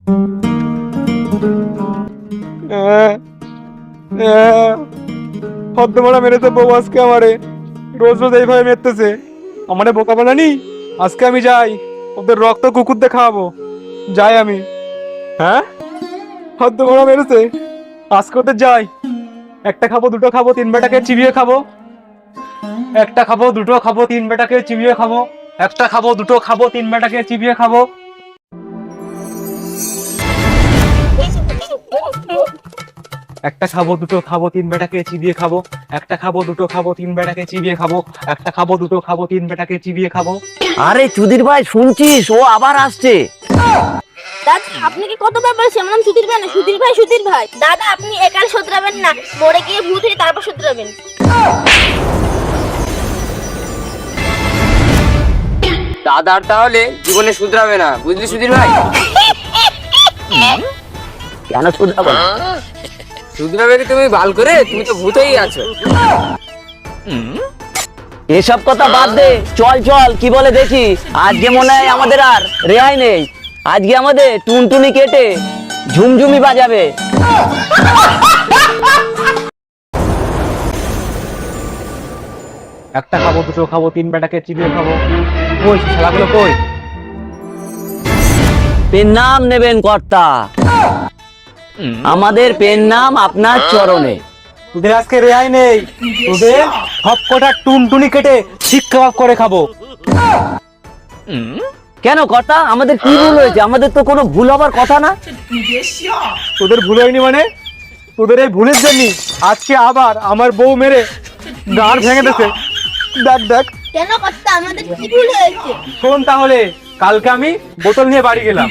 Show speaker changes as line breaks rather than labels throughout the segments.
হদ্দমারা মেরেছে বউ আজকে আমারে, রোজ রোজ এইভাবে মেরতেছে আমারে, বোকা বানানি। আজকে আমি যাই, ওদের রক্ত কুকুর দিয়ে খাওয়াবো, যাই আমি। হ্যাঁ, হদ্দমারা মেরেছে, আজকে ওদের যাই। একটা খাবো, দুটো খাবো, তিন বেটাকে চিবিয়ে খাবো। একটা খাবো, দুটো খাবো, তিন বেটাকে চিবিয়ে খাবো। একটা খাবো, দুটো খাবো, তিন বেটাকে চিবিয়ে খাবো। একটা খাবো, দুটো খাবো, তিন বেটাকে চিবিয়ে খাবো। একটা খাবো, দুটো খাবো, তিন বেটাকে চিবিয়ে খাবো। একটা খাবো, দুটো খাবো, তিন বেটাকে চিবিয়ে খাবো।
আরে চুদির ভাই, শুনছিস? ও আবার আসছে।
দাদা আপনি কি কতবার বলছেন আমার নাম সুধীর ভাই না, সুধীর ভাই, সুধীর ভাই। দাদা আপনি একাল শোধরাবেন না, মরে গিয়ে ভূত হয়ে তারপর শোধরাবেন।
দাদার তাহলে জীবনে শুধরাবে না, বুঝলি সুধীর ভাই?
কেন শুধরাবো না?
শুধরাবে কি তুমি বাল করে? তুমি তো ভূতেই আছো।
এসব কথা বাদ দে, চল চল, কি বলে দেখি। আজকে মনে হয় আমাদের আর রেহাই নেই। আজকে আমাদের টুনটুনি কেটে ঝুমঝুমি বাজাবে।
একটা খাবো, দুটো খাবো, তিন বেটাকে চিবিয়ে খাবো। কই শালাগুলো কই?
পেন নাম নেবেন কর্তা, আমাদের পেন নাম আপনার চরণে।
তোদের আজকে রেহাই নেই, তোদের সব কটা টুনটুনি কেটে শিক কাবাব করে খাবো।
কেন কর্তা, আমাদের কি ভুল হয়েছে? আমাদের তো কোনো ভুল হবার কথা না।
তোদের ভুল হয়নি মানে? তোদের এই ভুলের জন্য আজকে আবার আমার বউ মেরে গাড় ভেঙে দিয়েছে। দেখ দেখ,
কেন কর্তা, আমাদের কি ভুল হয়েছে?
শোন তাহলে, কালকে আমি বোতল নিয়ে বাড়ি গেলাম।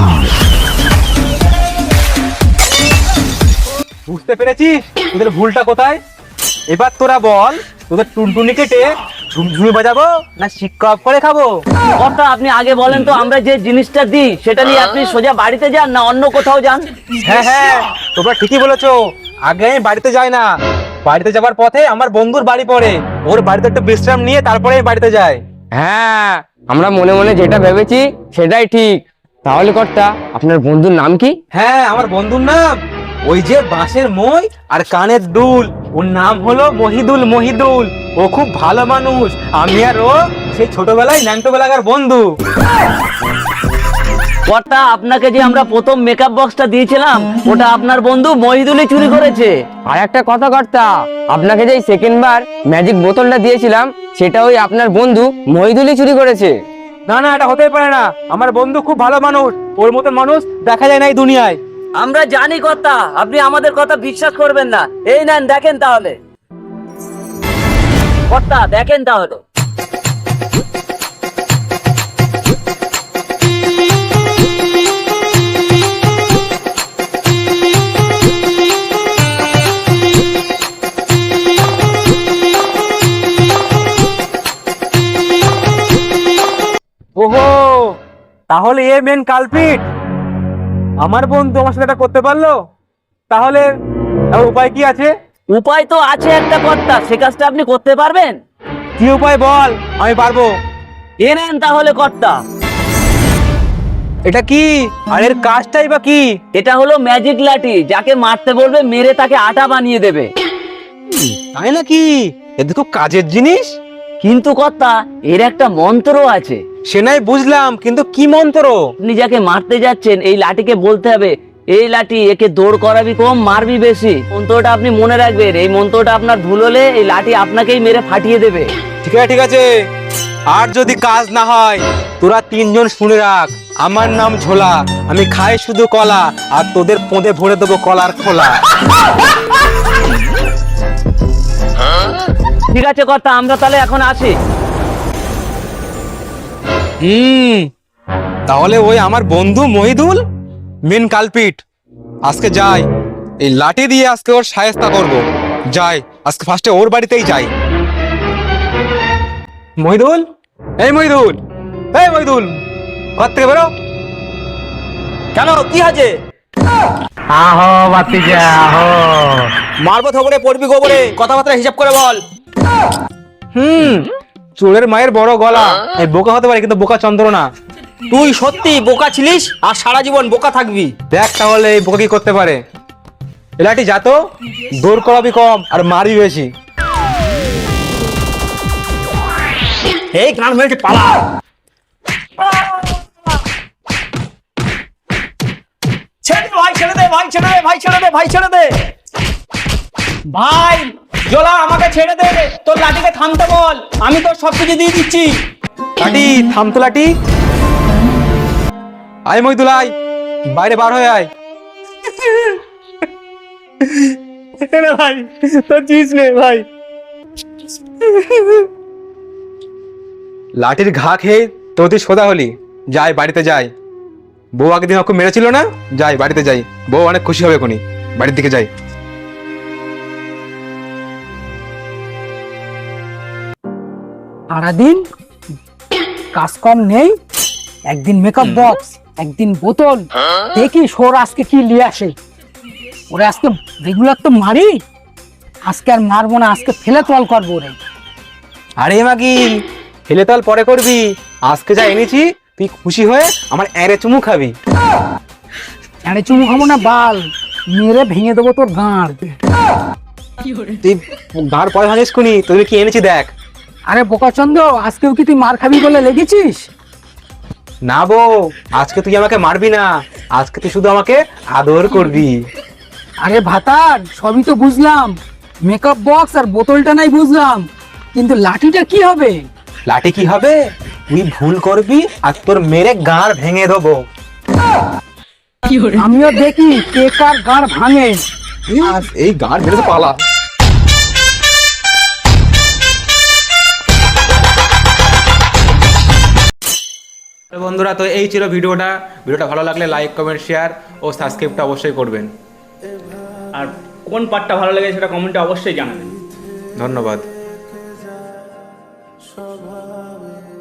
বুঝতে পেরেছিস তোদের ভুলটা কোথায়? এবার তোরা বল, তোদের টুনটুনি কেটে ঝুমঝুমি বাজাবো না শিক কাবাব করে খাবো?
কর্তা আপনি আগে বলেন তো, আমরা যে জিনিসটা দিই সেটা নিয়ে আপনি সোজা বাড়িতে যান না অন্য কোথাও যান?
হ্যাঁ হ্যাঁ, তোমরা ঠিকই বলেছো। আগে আমি বাড়িতে যাই না, বাড়িতে যাবার পথে আমার বন্ধুর বাড়ি পড়ে, ওর বাড়িতে একটু বিশ্রাম নিয়ে তারপরে আমি বাড়িতে যাই।
হ্যাঁ, আমরা মনে মনে যেটা ভেবেছি সেটাই ঠিক। তাহলে কর্তা, আপনার বন্ধুর নাম কি?
হ্যাঁ, আমার বন্ধুর নাম ওই যে বাঁশের মই আর কানের দুল, ওর নাম হলো মহিদুল। মহিদুল, ও খুব ভালো মানুষ। আমি আর ও সেই ছোটবেলায় ন্যাংটো বেলাকার বন্ধু।
কর্তা আপনাকে যে আমরা প্রথম মেকআপ বক্সটা দিয়েছিলাম, ওটা আপনার বন্ধু মহিদুলই চুরি করেছে।
আর একটা কথা কর্তা, আপনাকে যে সেকেন্ড বার ম্যাজিক বোতলটা দিয়েছিলাম সেটা ওই আপনার বন্ধু মহিদুলই চুরি করেছে।
না না, এটা হতেই পারে না। আমার বন্ধু খুব ভালো মানুষ, ওর মতন মানুষ দেখা যায় না এই দুনিয়ায়।
আমরা জানি কর্তা, আপনি আমাদের কথা বিশ্বাস করবেন না। এই নেন দেখেন তাহলে কর্তা, দেখেন তাহলে।
ওহো, তাহলে এ মেন কালপিট। আমার বন্ধু আমার সাথে এটা করতে পারলো, তাহলে আর উপায় কি আছে?
উপায় তো আছে একটা কর্তা, সে কাজটা আপনি করতে পারবেন?
কি উপায় বল, আমি পারবো।
এ নেন তাহলে কর্তা।
এটা কি, আর এর কাজটাই বা কি?
এটা হলো ম্যাজিক লাঠি, যাকে মারতে বলবে মেরে তাকে আটা বানিয়ে দেবে।
তাই নাকি? এটা খুব কাজের জিনিস।
কিন্তু কর্তা, এর একটা মন্ত্র আছে।
সে নাই বুঝলাম, কিন্তু কি মন্ত্র?
আপনি যাকে মারতে যাচ্ছেন এই লাঠিকে বলতে হবে, এই লাঠি একে দৌড় করাবি কম, মারবি বেশি। মন্ত্রটা আপনি মনে রাখবেন, এই মন্ত্রটা আপনার ভুল হলে এই লাঠি আপনাকেই মেরে ফাটিয়ে দেবে।
ঠিক আছে ঠিক আছে, আর যদি কাজ না হয় তোরা তিনজন শুনে রাখ, আমার নাম ঝোলা, আমি খাই শুধু কলা, আর তোদের পোঁদে ভরে দেবো কলার খোলা।
ঠিক আছে কর্তা, আমরা তাহলে এখন আসি।
তাহলে ওই আমার বন্ধু মহিদুল মেন কালপিট। আজকে যাই, এই লাঠি দিয়ে আজকে ওর শায়েস্তা করব। যাই, আজকে ফার্স্টে ওর বাড়িতেই যাই। মহিদুল, এই মহিদুল, এই মহিদুল, ঘর থেকে বেরো।
কেন, কি আছে?
আহো বাতিজা আহো।
মারবো থবরে, পড়বি গোবরে, কথাবার্তা হিসাব করে বল। চোরের মায়ের বড় গলা, এই বোকা হতে পারে কিন্তু বোকা চন্দ্র না।
তুই সত্যি বোকা ছিলিস আর সারা জীবন বোকা থাকবি।
দেখ তাহলে এই বোকা কি করতে পারে। এ লাঠি যা তো, দৌড় করাবি কম আর মারবি বেশি।
এই গান মেরেছে, পালা। ছেড়ে দে ভাই, ছেড়ে দে ভাই, ছেড়ে দে ভাই, ছেড়ে দে ভাই, ছেড়ে দে ভাই। জোলা আমাকে ছেড়ে দে, তোর লাঠিকে থামতে বল, আমি তোর সবকিছু দিয়ে দিচ্ছি।
লাঠি থাম তো লাঠি। আয় মইদুল আয়, বাইরে বার হয়ে আয়।
ভাই তোর চিজ নে ভাই।
লাঠির ঘা খেয়ে তোর তুই সোজা হলি। যাই বাড়িতে যাই, বউ আগের দিন ওকে মেরেছিল না, যাই বাড়িতে যাই, বউ অনেক খুশি হবে এখনই। বাড়ির দিকে যাই।
সারাদিন কাজ কম নেই, একদিন মেকআপ বক্স, একদিন বোতল, দেখি সোর আজকে কি নিয়ে আসে। ওরে আজকে রেগুলার তো মারি, আজকে আর মারবো না, আজকে ফেলে তল করবো রে।
আরে মাগি, হেলে তাল পরে করবি, আজকে যা এনেছি তুই খুশি হয়ে আমার এরে চুমু খাবি।
আরে চুমু খাবো না বাল, মেরে ভেঙে দেবো তোর গাঁড়।
তুই গাঁড় পরে ভাঙিস কুনি, তুই কি এনেছি দেখ।
আরে বোকাচন্দ্র, আজকেও কি তুই মার খাবি বলে লেগেছিস?
না বউ, আজকে তুই আমাকে মারবি না, আজকে তুই শুধু আমাকে আদর করবি।
আরে ভাতার, সবই তো বুঝলাম, মেকআপ বক্স আর বোতলটা নাই বুঝলাম, কিন্তু লাঠিটা কি হবে?
লাঠি কি হবে? তুই ভুল করবি আর তোর মেরে গাঁড় ভেঙে দেবো।
আমিও দেখি কে কার গাঁড় ভাঙে।
এই গাঁড় ভেঙে তো পালা। বন্ধুরা, তো এই ছিল ভিডিওটা। ভালো লাগলে লাইক, কমেন্ট, শেয়ার ও সাবস্ক্রাইবটা অবশ্যই করবেন।
আর কোন পার্টটা ভালো লাগে সেটা কমেন্টে অবশ্যই জানাবেন।
ধন্যবাদ।